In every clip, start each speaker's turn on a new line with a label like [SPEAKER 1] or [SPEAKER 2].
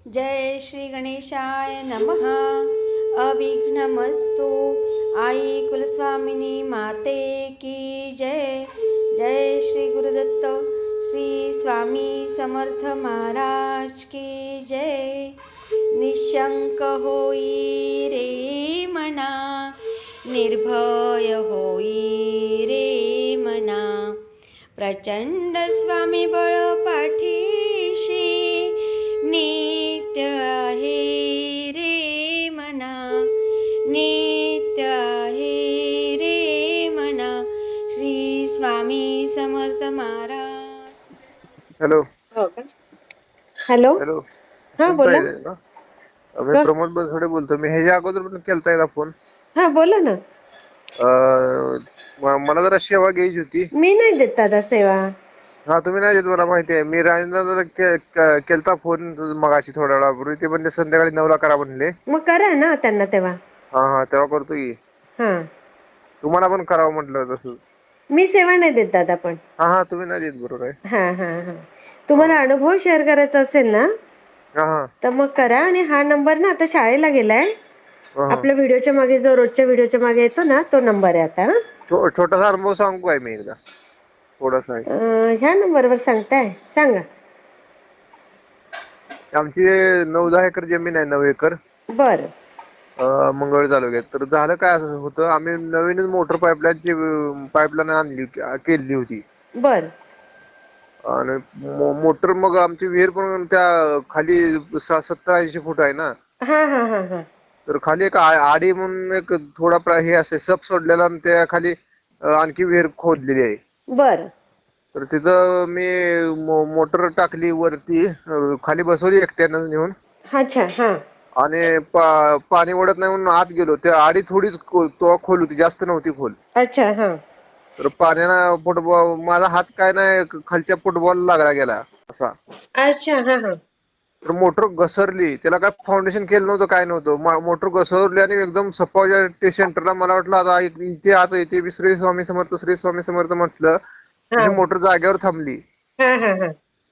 [SPEAKER 1] जय श्री गणेशाय नमः। अविघ्नमस्तु। आई कुलस्वामिनी माते की जय। जय श्री गुरुदत्त श्री स्वामी समर्थ महाराज की जय। निशंक होई रे मना, निर्भय होई रे मना, प्रचंड स्वामी बळ पाठीशी, नित्य आहे रे मना, नित्य आहे रे मना, Shri Swami Samarth Maharaj.
[SPEAKER 2] Hello
[SPEAKER 3] hello
[SPEAKER 2] hello
[SPEAKER 3] हा बोला
[SPEAKER 2] मी प्रमोद बसवडे बोलतो. मी ह्याच्या अगोदर पण केलता एकदा फोन.
[SPEAKER 3] हा बोला ना.
[SPEAKER 2] मला जरा सेवा घ्यायची होती.
[SPEAKER 3] मी नाही देत दादा सेवा.
[SPEAKER 2] हा तुम्ही नाही देत मला माहिती आहे. मी राजेंद्र केलता फोन मगाशी थोड्या वेळापूर्वी. ते म्हणजे संध्याकाळी 9ला करा म्हणले.
[SPEAKER 3] मग करा ना त्यांना तेव्हा.
[SPEAKER 2] हा तेव्हा करतो की.
[SPEAKER 3] हा
[SPEAKER 2] तुम्हाला पण करावं म्हटलं तसं.
[SPEAKER 3] मी सेवा नाही देत दादा पण.
[SPEAKER 2] हा तुम्ही नाही देत बरोबर आहे.
[SPEAKER 3] हा हा हा तुम्हाला अनुभव शेअर करायचा असेल ना
[SPEAKER 2] हा
[SPEAKER 3] तर मग करा. आणि हा नंबर ना आता शाळेला गेलाय. आपल्या व्हिडिओच्या मागे जो रोजच्या व्हिडिओच्या मागे येतो ना तो नंबर आहे आता.
[SPEAKER 2] छोटासा अनुभव सांगू काय मी एकदा थोडासा आहे.
[SPEAKER 3] ह्या नंबरवर सांगताय सांगा.
[SPEAKER 2] आमची 9-10 एकर जमीन आहे. 9 एकर
[SPEAKER 3] बर
[SPEAKER 2] मंगळ तालुक्यात. तर झालं काय असं होतं, आम्ही नवीनच मोटर पाईपलाईन आणली केली होती.
[SPEAKER 3] बर
[SPEAKER 2] आणि मोटर मग आमची विहीर पण त्या खाली 70-80 फूट आहे ना.
[SPEAKER 3] हा हा हा हा
[SPEAKER 2] तर खाली एक आडी म्हणून एक थोडा हे असते सप सोडलेला, आणि त्या खाली आणखी विहीर खोदलेली आहे.
[SPEAKER 3] बर
[SPEAKER 2] तर तिथं मी मोटर टाकली वरती, खाली बसवली एकट्यानं नेऊन.
[SPEAKER 3] अच्छा हा
[SPEAKER 2] आणि पाणी ओढत नाही म्हणून आत गेलो. त्या आडी थोडीच तो खोल होती, जास्त नव्हती खोल.
[SPEAKER 3] अच्छा हा
[SPEAKER 2] तर पाण्यानं फुटबॉल माझा हात काय नाही खालच्या फुटबॉल लागला गेला असा.
[SPEAKER 3] अच्छा हा हा
[SPEAKER 2] तर मोटर घसरली. त्याला काय फाउंडेशन केलं नव्हतं, काय नव्हतं. मोटर घसरली आणि एकदम सपावच्या सेंटरला. मला वाटलं आता इथे आता इथे श्री स्वामी समर्थ श्री स्वामी समर्थ म्हटलं. तशी मोटर जागेवर थांबली.
[SPEAKER 3] हा हा हा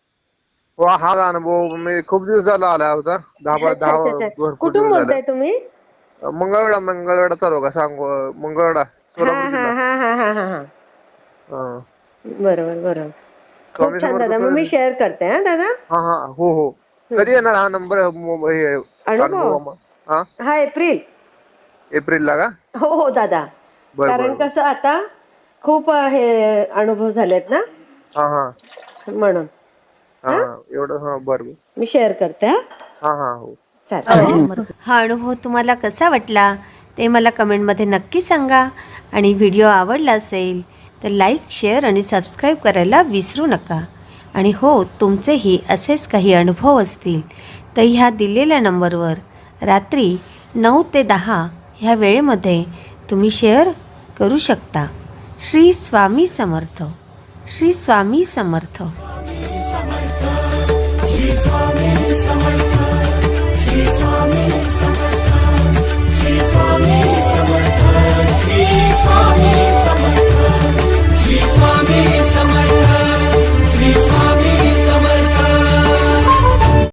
[SPEAKER 2] हा अनुभव मी खूप दिवस झाला आला होता. 10 भरपूर
[SPEAKER 3] कुठून
[SPEAKER 2] दिवस
[SPEAKER 3] बोलताय
[SPEAKER 2] झाले.
[SPEAKER 3] तुम्ही?
[SPEAKER 2] मंगळवेढा तालुका मंगळवेढा सोलापूर
[SPEAKER 3] हा
[SPEAKER 2] जिल्हा.
[SPEAKER 3] हा हा हा हा
[SPEAKER 2] हा.
[SPEAKER 3] बरोबर बरोबर. खूप
[SPEAKER 2] स्वामी
[SPEAKER 3] छान
[SPEAKER 2] समर्थ
[SPEAKER 3] दादा. मग मी शेअर करते हा दादा.
[SPEAKER 2] हो कधी येणार हा नंबर अनुभव?
[SPEAKER 3] हा
[SPEAKER 2] एप्रिलला का?
[SPEAKER 3] हो दादा.
[SPEAKER 2] बर
[SPEAKER 3] कारण कसं आता खूप हे अनुभव झालेत ना म्हणून
[SPEAKER 2] एवढं बरं
[SPEAKER 3] मी शेअर करते.
[SPEAKER 2] हो
[SPEAKER 3] चालेल.
[SPEAKER 1] हा अनुभव तुम्हाला कसा वाटला ते मला कमेंटमध्ये नक्की सांगा. आणि व्हिडिओ आवडला असेल तर लाईक शेअर आणि सबस्क्राईब करायला विसरू नका. आणि हो तुमचेही असेच काही अनुभव असतील तर ह्या दिलेल्या नंबरवर रात्री 9 ते 10 ह्या वेळेमध्ये तुम्ही शेअर करू शकता. श्री स्वामी समर्थ. श्री स्वामी समर्थ.
[SPEAKER 4] श्री स्वामी समर्थ.